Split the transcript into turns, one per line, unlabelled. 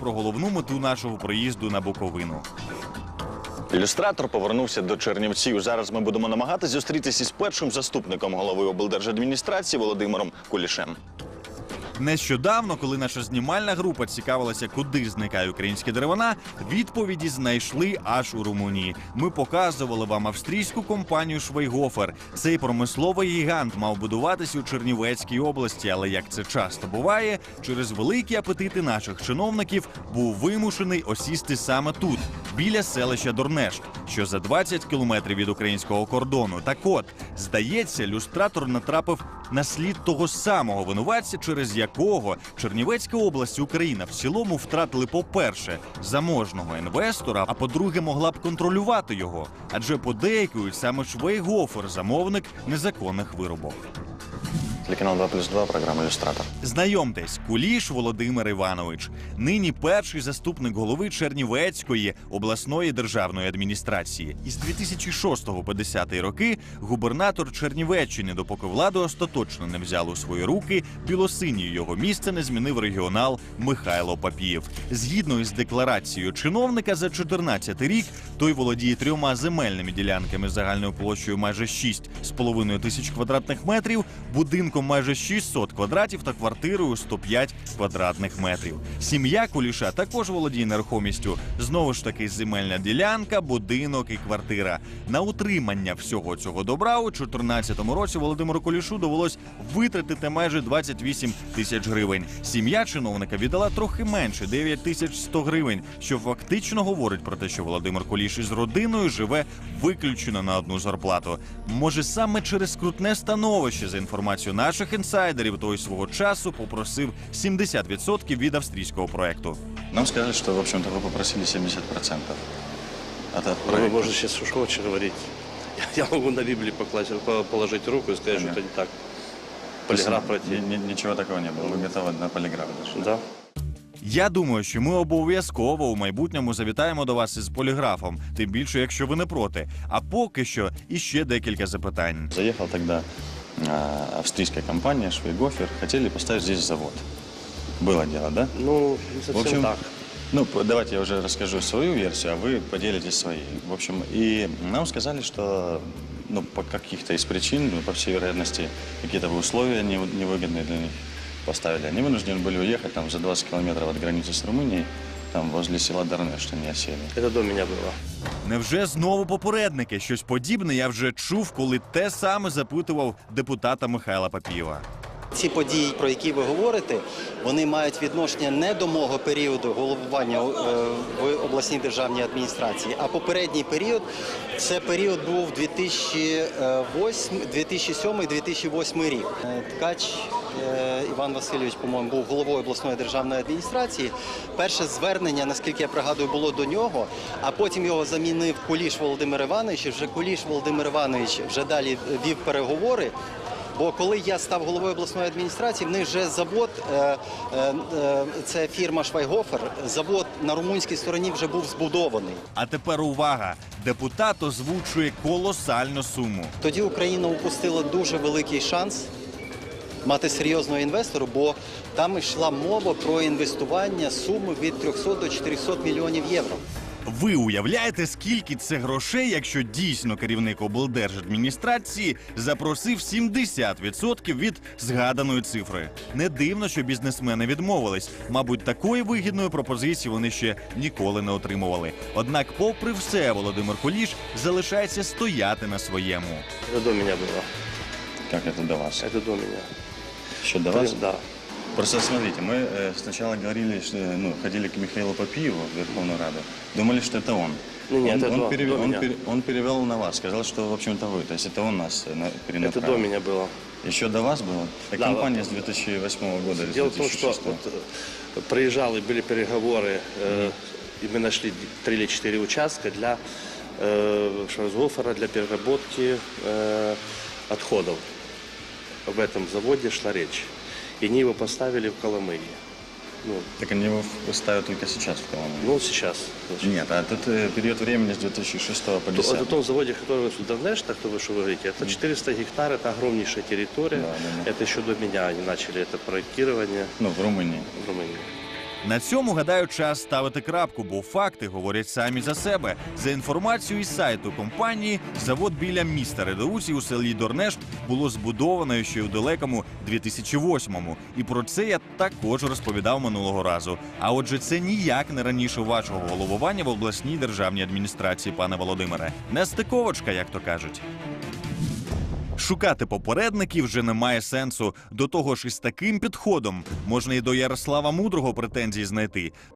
про головну мету нашого приїзду на Буковину.
Ілюстратор повернувся до Чернівців. Зараз ми будемо намагатися зустрітися із першим заступником голови облдержадміністрації Володимиром Кулішем.
Нещодавно, коли наша знімальна група цікавилася, куди зникає українські деревина, відповіді знайшли аж у Румунії. Ми показували вам австрійську компанію «Швайгофер». Цей промисловий гігант мав будуватись у Чернівецькій області, але, як це часто буває, через великі апетити наших чиновників був вимушений осісти саме тут, біля селища Дорнешт, що за 20 кілометрів від українського кордону. Так от, здається, люстратор натрапив на слід того самого винуватця, через якого Чернівецька область і Україна в цілому втратили, по-перше, заможного інвестора, а по-друге, могла б контролювати його. Адже подейкують, саме Швайгофер – замовник незаконних вирубок.
Телеканал 2+2, програма «Ілюстратор».
Знайомтесь, Куліш Володимир Іванович. Нині перший заступник голови Чернівецької обласної державної адміністрації. Із 2006 по 2010 роки губернатор Чернівеччини, допоки владу остаточно не взяв у свої руки, білосинію його місце не змінив регіонал Михайло Папієв. Згідно із декларацією чиновника, за 2014 рік той володіє 3 земельними ділянками загальною площею майже 6,5 тисяч квадратних метрів, будинком майже 600 квадратів та квартирою 105 квадратних метрів. Сім'я Куліша також володіє нерухомістю. Знову ж таки, земельна ділянка, будинок і квартира. На утримання всього цього добра у 2014 році Володимиру Кулішу довелось витратити майже 28 тисяч гривень. Сім'я чиновника віддала трохи менше – 9100 гривень, що фактично говорить про те, що Володимир Куліш із родиною живе виключно на одну зарплату. Може, саме через скрутне становище, за інформацією наших інсайдерів, той свого часу попросив 70% від австрійського проекту.
Нам сказали, что, в общем-то, вы попросили 70% от
Вы
проекта.
можете сейчас что хочешь говорить. Я могу на Библии положить руку и сказать, что это не так. Полиграф пройти.
Ничего такого не было. Вы готовы на полиграф даже?
Да.
Я думаю, що ми обов'язково у майбутньому завітаємо до вас із поліграфом, тим більше, якщо ви не проти. А поки що іще декілька запитань.
Заехал тогда австрийская компания «Швайгофер». Хотели поставить здесь завод. Было дело, да?
Ну, не совсем
В общем,
так.
Ну, давайте я уже расскажу свою версию, а вы поделитесь своей. В общем, и нам сказали, что по каких-то из причин, по всей вероятности, какие-то условия невыгодные для них поставили. Они вынуждены были уехать там за 20 километров от границы с Румынией, там возле села Дорнешт они осели.
Это до меня было.
Невже знову попередники? Щось подібне я вже чув, коли те саме запитував депутата Михайла Папієва.
Ці події, про які ви говорите, вони мають відношення не до мого періоду головування в обласній державній адміністрації, а попередній період – це період був 2007-2008 рік. Ткач Іван Васильович, по-моєму, був головою обласної державної адміністрації. Перше звернення, наскільки я пригадую, було до нього, а потім його замінив Куліш Володимир Іванович, і вже Куліш Володимир Іванович вже далі вів переговори. Бо коли я став головою обласної адміністрації, в них вже завод, це фірма «Швайгофер», завод на румунській стороні вже був збудований.
А тепер увага! Депутат озвучує колосальну суму.
Тоді Україна упустила дуже великий шанс мати серйозного інвестора, бо там йшла мова про інвестування суми від 300 до 400 мільйонів євро.
Ви уявляєте, скільки це грошей, якщо дійсно керівник облдержадміністрації запросив 70% від згаданої цифри? Не дивно, що бізнесмени відмовились. Мабуть, такої вигідної пропозиції вони ще ніколи не отримували. Однак, попри все, Володимир Куліш залишається стояти на своєму.
Это до меня было.
Как это до вас?
Это до меня.
Еще до вас?
Да.
Просто смотрите, мы сначала говорили, что, ходили к Михаилу Папиеву в Верховную Раду, думали, что это он. Он перевел на вас, сказал, что, в общем-то, вы. То есть это он нас перенаправил.
Это до меня было.
Еще до вас было?
Да,
компания с 2008 года или с 2006.
Дело в том, что проезжал и были переговоры, и мы нашли 3 или 4 участка для Швайгофера, для переработки отходов. Об этом заводе шла речь. И они его поставили в Коломые.
Так они его ставят только сейчас в Коломые?
Сейчас.
Нет, а тут период времени с 2006 по 2010.
На том заводе, который в Дорнеште, кто вы что говорите, это 400 гектар, это огромнейшая территория.
Да.
Это еще до меня они начали это проектирование.
В Румынии.
В Румынии.
На цьому, гадаю, час ставити крапку, бо факти говорять самі за себе. За інформацією із сайту компанії, завод біля міста Редеуці у селі Дорнеш було збудовано ще у далекому 2008-му. І про це я також розповідав минулого разу. А отже, це ніяк не раніше вашого головування в обласній державній адміністрації, пане Володимире. Нестиковочка, як то кажуть. Шукати попередників вже немає сенсу. До того ж, із таким підходом можна і до Ярослава Мудрого претензії знайти.